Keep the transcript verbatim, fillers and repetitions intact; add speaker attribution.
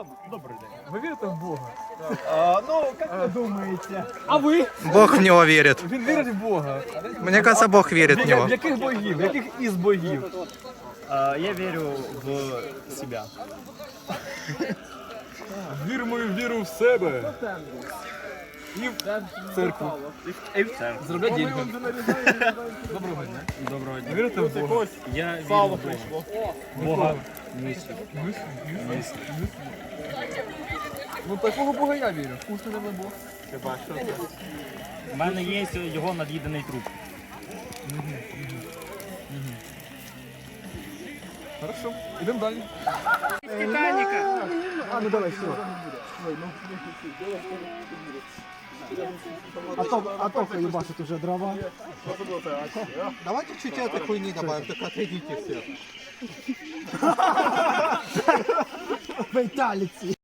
Speaker 1: Добрий день.
Speaker 2: Ви вірите в Бога?
Speaker 1: А, ну, як ви думаєте?
Speaker 2: А ви?
Speaker 3: Бог в него верит.
Speaker 2: Він вірить в Бога.
Speaker 3: Мне кажется, Бог верит в
Speaker 2: В
Speaker 3: него.
Speaker 2: яких богів? В яких із богів?
Speaker 1: А, я вірю в себе.
Speaker 2: Вір мою віру в себе. І в церкву.
Speaker 1: І в церкву.
Speaker 2: Заробляти деньги. Доброго дня.
Speaker 1: Доброго дня.
Speaker 2: Вірите в Бога?
Speaker 1: Я вірю в Бога. Бога.
Speaker 2: Ну такого Бога я вірю. Вкусний не Бог.
Speaker 1: Хіба що це? У мене є його над'їдений труп.
Speaker 2: Хорошо. Ідемо далі.
Speaker 1: Титаніка.
Speaker 2: А, ну давай, все.
Speaker 4: А то, а то ебашит уже дрова. Давайте чуть этой хуйни добавим, только отойдите все. Фейталити.